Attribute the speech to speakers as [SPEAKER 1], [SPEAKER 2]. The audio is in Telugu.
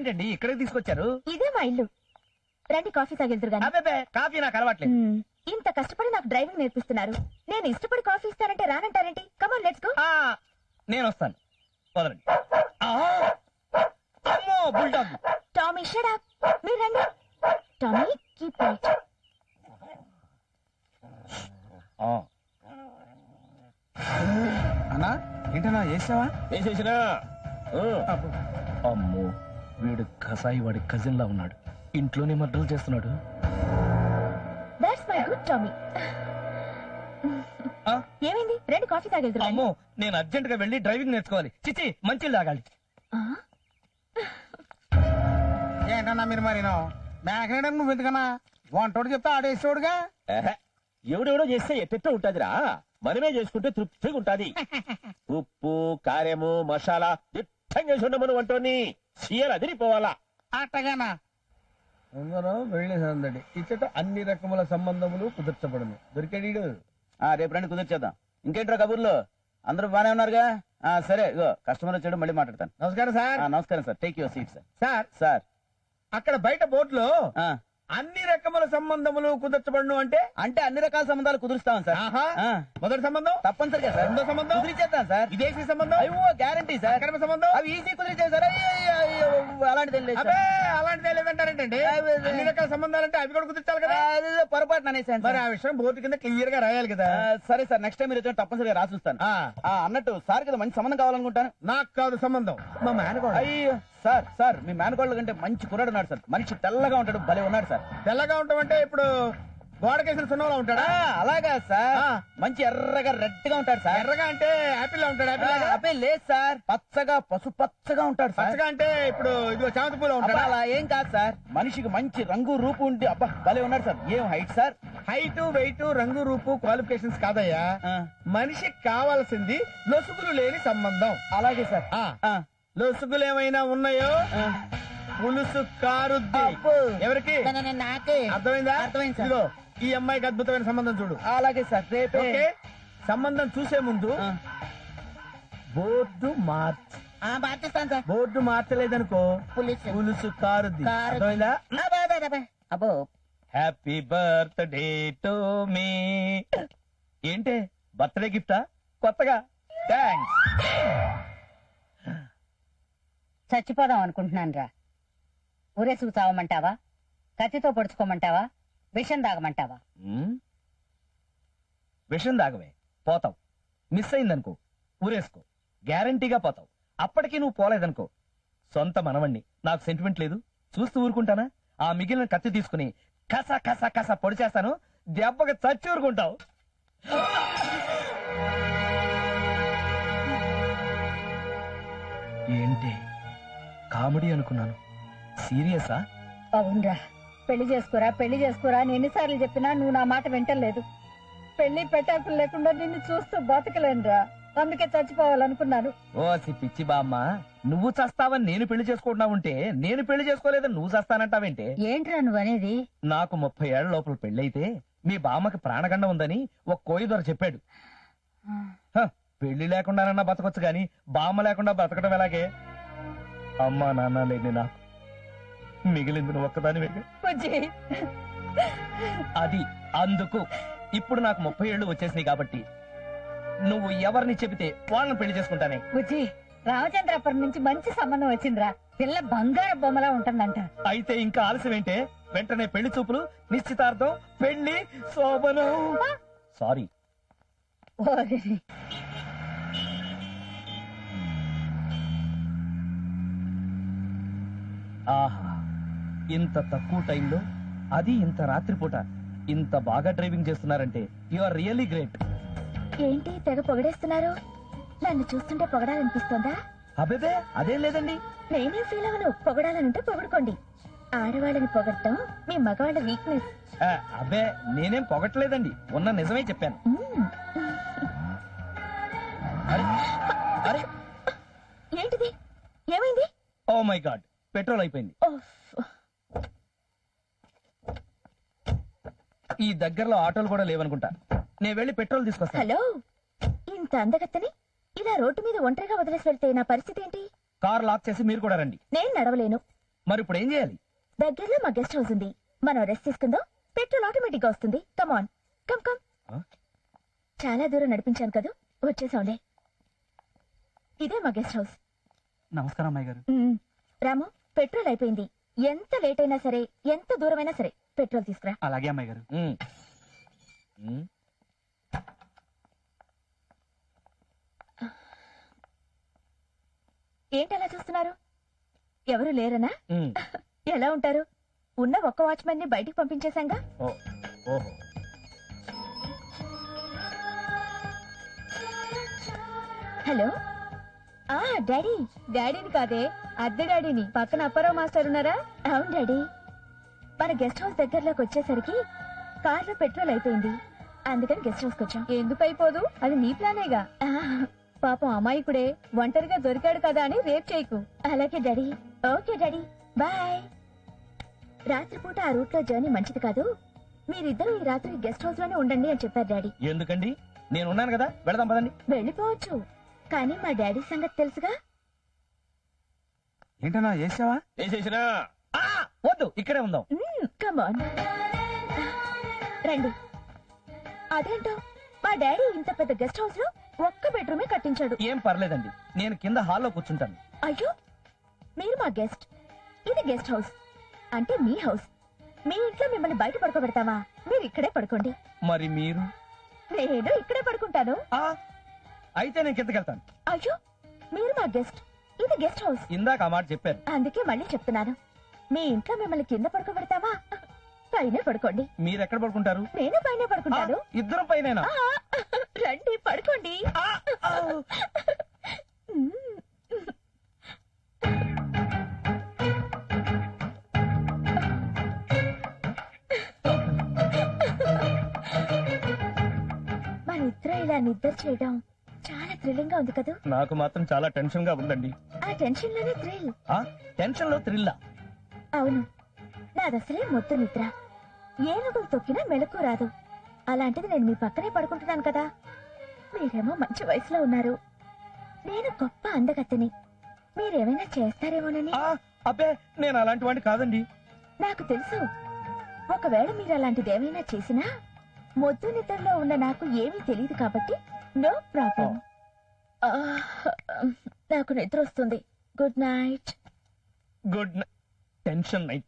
[SPEAKER 1] ఇదేంటండి ఇక్కడికి తీసుకొచ్చారు?
[SPEAKER 2] ఇదే మా ఇల్లు. రండి కాఫీ తాగెళ్తురు గాని.
[SPEAKER 1] అబ్బే కాఫీ నాకు అలవాట్లేదు.
[SPEAKER 2] ఇంత కష్టపడి నాకు డ్రైవింగ్ నేర్పిస్తున్నారు, నేను ఇష్టపడి కాఫీ ఇస్తానంటే రానంటారేంటి? Come on let's go.
[SPEAKER 1] నేను వస్తాను, వదలండి. అమ్మో బుల్డాగ్.
[SPEAKER 2] Tommy shut up. మీరు రండి. Tommy keep quiet.
[SPEAKER 3] అన్నా ఏంటన్నా చేసావా?
[SPEAKER 1] వేసేసినా. అమ్మో వీడు కసాయి వాడి కజిన్ లా ఉన్నాడు, ఇంట్లోనే మర్డర్లు చేస్తున్నాడు.
[SPEAKER 2] That's my good Tommy. ఏమైంది? రండి కాఫీ తాగెళ్తురు.
[SPEAKER 1] అమ్మో నేను అర్జెంట్ గా వెళ్ళి డ్రైవింగ్ నేర్చుకోవాలి. చిచి మంచి తాగాలి.
[SPEAKER 3] ఏంటన్నా మీరు మరి మేకనేయడం నువ్వు ఎందుకన్నా? వంటోడు చెప్తే ఆడేసేవాడుగా.
[SPEAKER 1] ఎవడెవడో చేస్తే ఎట్టెట్టో ఉంటదిరా, మనమే చేసుకుంటే తృప్తిగా ఉంటది. ఉప్పు కారము మసాలా దిట్టంగా చేసి ఉండమను వంటోని సీయలు అదిరిపోవాలా.
[SPEAKER 3] అట్టగానా?
[SPEAKER 4] అందరం వెళ్ళేసందడి ఇచ్చట అన్ని రకముల సంబంధములు కుదర్చబడును. దొరికాడు.
[SPEAKER 3] రేపు రండి కుదిర్చేద్దాం. ఇంకేంట్రా కబుర్లు? అందరూ బానే ఉన్నారుగా? సరే ఇగో కస్టమర్ వచ్చాడు, మళ్ళీ మాట్లాడతాను.
[SPEAKER 4] నమస్కారం సార్.
[SPEAKER 3] నమస్కారం sir. Take your seat sir.
[SPEAKER 4] Sir
[SPEAKER 3] sir
[SPEAKER 4] అక్కడ బయట బోర్డులో అన్ని రకముల సంబంధములు కుదర్చబడును అంటే
[SPEAKER 3] అంటే అన్ని రకాల సంబంధాలు కుదురుస్తాం సార్.
[SPEAKER 4] మొదటి సంబంధం
[SPEAKER 3] తప్పనిసరిగా సార్.
[SPEAKER 4] రెండో సంబంధం
[SPEAKER 3] కుదిరిచేద్దాం సార్.
[SPEAKER 4] విదేశీ సంబంధం
[SPEAKER 3] అయ్యో గ్యారంటీ సార్.
[SPEAKER 4] అక్రమ సంబంధం
[SPEAKER 3] అవి ఈజీ కుదిరిచేవి సార్. అలాంటిది ఏం లేదు సార్.
[SPEAKER 4] అబ్బే అలాంటిదే లేదంటారేంటండి? అన్ని రకాల సంబంధాలంటే అవి కూడా కుదిర్చాలి కదా.
[SPEAKER 3] పొరపాటు అనేసాను
[SPEAKER 4] మరి ఆ విషయం బోర్డు కింద క్లియర్ గా రాయాలి కదా.
[SPEAKER 3] సరే సార్, నెక్స్ట్ టైం మీరు వచ్చిన తప్పనిసరిగా రాసిస్తాను. అన్నట్టు సార్ కదా మంచి సంబంధం కావాలనుకుంటాను.
[SPEAKER 4] నాకు కాదు సంబంధం, మా మేనకోడ.
[SPEAKER 3] అయ్యో సార్, సార్ మీ మేనకోళ్ళ కంటే మంచి కుర్రాడు ఉన్నాడు సార్. మనిషి తెల్లగా ఉంటాడు, భలే ఉన్నాడు సార్.
[SPEAKER 4] తెల్లగా ఉంటామంటే ఇప్పుడు గోడకేసిన సున్నంలో ఉంటాడా?
[SPEAKER 3] అలాగా సార్. మంచి ఎర్రగా రెడ్ గా ఉంటాడు సార్.
[SPEAKER 4] ఎర్రగా అంటే యాపిల్ లా ఉంటాడు.
[SPEAKER 3] యాపిల్ లేదు సార్, పచ్చగా పసుపచ్చగా ఉంటాడు సార్.
[SPEAKER 4] పచ్చగా అంటే ఇప్పుడు ఇదిగో చామంతి పూలో ఉంటాడు.
[SPEAKER 3] అలా ఏం కాదు సార్, మనిషికి మంచి రంగు రూపు ఉండి అబ్బా భలే ఉన్నాడు సార్. ఏం హైట్ సార్?
[SPEAKER 4] హైట్ వెయిట్ రంగు రూపు క్వాలిఫికేషన్స్ కాదయ్యా, మనిషికి కావాల్సింది లొసుగులు లేని సంబంధం.
[SPEAKER 3] అలాగే సార్.
[SPEAKER 4] లొసుగులు ఏమైనా ఉన్నాయో పులుసు కారుద్ది. ఎవరికి?
[SPEAKER 3] నాకే.
[SPEAKER 4] అర్థమైందా?
[SPEAKER 3] అర్థమైంది సార్.
[SPEAKER 4] ఇదిగో ఈ అమ్మాయికి అద్భుతమైన సంబంధం చూడు.
[SPEAKER 3] అలాగే సార్. రేపే
[SPEAKER 4] ఓకే. సంబంధం చూసే ముందు బోర్డు
[SPEAKER 3] మార్చేస్తాను సార్.
[SPEAKER 4] బోర్డు మార్చలేదనుకో పులుసు కారుద్ది. అర్థమైందా?
[SPEAKER 3] అబ్బో
[SPEAKER 1] హ్యాపీ బర్త్డే టు మీ. ఏంటే బర్త్డే గిఫ్టా? కొత్తగా? థ్యాంక్స్.
[SPEAKER 5] చచ్చిపోదాం అనుకుంటున్నాను రా. ఊరేసుకు చావమంటావా, కత్తితో పొడుచుకోమంటావా, విషం తాగమంటావా?
[SPEAKER 1] విషం దాగవే, పోతావు. మిస్ అయిందనుకో ఊరేసుకో, గ్యారంటీగా పోతావు. అప్పటికీ నువ్వు పోలేదనుకో, సొంత మనవణ్ణి, నాకు సెంటిమెంట్ లేదు, చూస్తూ ఊరుకుంటానా? ఆ మిగిలిన కత్తి తీసుకుని కసా కసా కసా పొడి చేస్తాను, దెబ్బగా చచ్చి ఊరుకుంటావు. ఏంటి కామెడీ అనుకున్నాను, సీరియసా?
[SPEAKER 5] అవునరా, పెళ్లి చేసుకోరా పెళ్లి చేసుకోరా అని ఎన్నిసార్లు చెప్పినా నువ్వు నా మాట వింటలేదు. పెళ్లి పెట్టాకులు లేకుండా నిన్ను చూస్తూ బతకలేనురా, అందుకే చచ్చిపోవాలనుకున్నాను.
[SPEAKER 1] ఓసి పిచ్చి బామ్మ, నువ్వు చస్తావని నేను పెళ్లి చేసుకుంటున్నావుంటే నేను పెళ్లి చేసుకోలేదని నువ్వు చస్తానంటావేంటే?
[SPEAKER 5] ఏంట్రా నువ్వనేది?
[SPEAKER 1] నాకు 30 ఏళ్ల లోపల పెళ్ళైతే మీ బామ్మకి ప్రాణగండం ఉందని ఒక కోయి దొర చెప్పాడు. పెళ్లి లేకుండానన్నా బతకొచ్చు గాని బామ్మ లేకుండా బతకడం ఎలాగే? అమ్మా నాన్న లేని నాకు మిగిలింది నువ్వు ఒక్కదానివే. అది అందుకు ఇప్పుడు నాకు 30 ఏళ్లు వచ్చేసినాయి కాబట్టి నువ్వు ఎవరిని చెబితే వాళ్ళని పెళ్లి చేసుకుంటానే.
[SPEAKER 5] బుజ్జి, రామచంద్రాపురం నుంచి మంచి సంబంధం వచ్చిందిరా. పిల్ల బంగారు బొమ్మలా ఉంటుందంట.
[SPEAKER 1] అయితే ఇంకా ఆలస్యం ఏంటే? వెంటనే పెళ్లి చూపులు, నిశ్చితార్థం, పెళ్లి, శోభనం. సారీ. ఆహా, ఇంత తక్కువ టైంలో, అది ఇంత రాత్రిపూట ఇంత బాగా డ్రైవింగ్ చేస్తున్నారంటే యు ఆర్ రియల్లీ గ్రేట్.
[SPEAKER 2] ఏంటి తెగ పొగడేస్తున్నారు? నన్ను చూస్తుంటే పొగడాలనిపిస్తోందా?
[SPEAKER 1] అబేబే అదేం లేదండి.
[SPEAKER 2] నేనేం ఫీల్ అవను, పొగడాలనుంటే పొగడుకోండి. ఆడవాళ్ళని పొగడటం మీ మగవాళ్ళ వీక్నెస్.
[SPEAKER 1] అబ్బే నేనేం పొగట్లేదండి, ఉన్న నిజమే చెప్పాను. అరే
[SPEAKER 2] ఏంటిది? ఏమైంది?
[SPEAKER 1] ఓ మై గాడ్, పెట్రోల్ అయిపోయింది. ఈ దగ్గరలో ఆటోలు కూడా లేవనుకుంటా, నేను వెళ్ళి పెట్రోల్ తీసుకొస్తాను.
[SPEAKER 2] హలో, ఇంత అందగత్తని ఇలా రోడ్డు మీద ఒంటరిగా వదిలేసి వెళ్తే నా పరిస్థితి ఏంటి?
[SPEAKER 1] కార్ లాక్ చేసి మీరు కూడా రండి.
[SPEAKER 2] నేను నడవలేను.
[SPEAKER 1] మరి ఇప్పుడు ఏం చేయాలి?
[SPEAKER 2] దగ్గరలో మా గెస్ట్ హౌస్ ఉంది, మనం రెస్ట్ తీసుకుందాం. పెట్రోల్ ఆటోమేటిక్ గా వస్తుంది. Come come.
[SPEAKER 1] ఆ?
[SPEAKER 2] చాలా దూరం నడిపించాను కదా, వచ్చేసాంలే. ఇదే మా గెస్ట్ హౌస్.
[SPEAKER 3] నమస్కారం అమ్మాయి గారు.
[SPEAKER 2] రాము, పెట్రోల్ అయిపోయింది. ఎంత లేట్ అయినా సరే, ఎంత దూరమైనా సరే పెట్రోల్ తీసుకురా.
[SPEAKER 3] అలాగే అమ్మాయి గారు.
[SPEAKER 1] ఉమ్. ఉమ్.
[SPEAKER 2] ఏంటి అలా చూస్తున్నారు? ఎవరు లేరనా?
[SPEAKER 1] ఉమ్.
[SPEAKER 2] ఎలా ఉంటారు? ఉన్న ఒక్క వాచ్మెన్ ని బయటికి పంపించేశాంగా.
[SPEAKER 1] ఓ, ఓహో.
[SPEAKER 2] హలో. డాడీ. డాడీని కాదే, అద్దె డాడీని. పక్కన అప్పారావు మాస్టర్ ఉన్నారా? అవును డాడీ. మన గెస్ట్ హౌస్ దగ్గరలోకి వచ్చేసరికి కార్లో పెట్రోల్ అయిపోయింది, అందుకని గెస్ట్ హౌస్ వచ్చాం. ఎందుకు అయిపోదు, అది నీ ప్లానేగా. పాపం అమాయకుడే ఒంటరిగా దొరికాడు కదా అని రేప్ చేయకు. అలాగే డాడీ. Okay daddy, bye. రాత్రిపూట ఆ రూట్ లో జర్నీ మంచిది కాదు, మీరిద్దరూ ఈ రాత్రి గెస్ట్ హౌస్ లోనే ఉండండి అని చెప్పారు డాడీ.
[SPEAKER 1] ఎందుకండి, నేను ఉన్నాను కదా, వెళదాం పదండి.
[SPEAKER 2] వెళ్ళిపోవచ్చు, కానీ మా డాడీ సంగతి తెలుసుగా.
[SPEAKER 3] ఏంటన్నా చేసావా?
[SPEAKER 1] వేసేసినా. వద్దు, ఇక్కడే ఉందాం.
[SPEAKER 2] కమాన్, రండి. అదేంటో మా డాడీ ఇంత పెద్ద గెస్ట్ హౌస్ లో ఒక్క బెడ్రూమే కట్టించాడు.
[SPEAKER 1] ఏం పర్లేదండి, నేను కింద హాల్లో కూర్చుంటాను.
[SPEAKER 2] అయ్యో, మీరు మా గెస్ట్, ఇది గెస్ట్ హౌస్ అంటే మీ హౌస్. మీ ఇంట్లో మిమ్మల్ని బయట పడుకోబెడతావా? మీరు ఇక్కడే పడుకోండి.
[SPEAKER 1] మరి మీరు?
[SPEAKER 2] నేను ఇక్కడే పడుకుంటాను.
[SPEAKER 1] అయితే నేను కిందకెళ్తాను.
[SPEAKER 2] అయ్యో, మీరు మా గెస్ట్, ఇది గెస్ట్ హౌస్.
[SPEAKER 1] ఇందాక ఆ మాట చెప్పారు.
[SPEAKER 2] అందుకే మళ్ళీ చెప్తున్నాను, మీ ఇంట్లో మిమ్మల్ని కింద పడుకోబెడతావా? పైన పడుకోండి.
[SPEAKER 1] మీరు ఎక్కడ పడుకుంటారు?
[SPEAKER 2] నేను పైన పడుకుంటాను.
[SPEAKER 1] ఇద్దరు పైన.
[SPEAKER 2] రండి, పడుకోండి. మన ఇద్దరు ఇలా నిద్ర చేయడం చాలా థ్రిల్లింగ్ గా ఉంది కదా.
[SPEAKER 1] నాకు మాత్రం చాలా టెన్షన్ గా ఉందండి.
[SPEAKER 2] ఆ టెన్షన్ లోనే థ్రిల్.
[SPEAKER 1] టెన్షన్ లో థ్రిల్లా?
[SPEAKER 2] అవును, నాదసలే మొద్దు నిద్ర, ఏనుగులు తొక్కినా మెలకు రాదు. అలాంటిది నేను మీ పక్కనే పడుకుంటున్నాను కదా. మీరేమో మంచి వయసులో ఉన్నారు, నేను గొప్ప అందగత్తెని. మీరేమైనా చేస్తారేమోనని.
[SPEAKER 1] అబ్బే, నేను అలాంటి వాడిని కాదండి.
[SPEAKER 2] నాకు తెలుసు, ఒకవేళ మీరు అలాంటిదేమైనా చేసినా మొద్దు నిద్రలో ఉన్న నాకు ఏమీ తెలియదు కాబట్టి నో ప్రాబ్లం. నాకు నిద్ర వస్తుంది. Good night.
[SPEAKER 1] Good night. Tension night.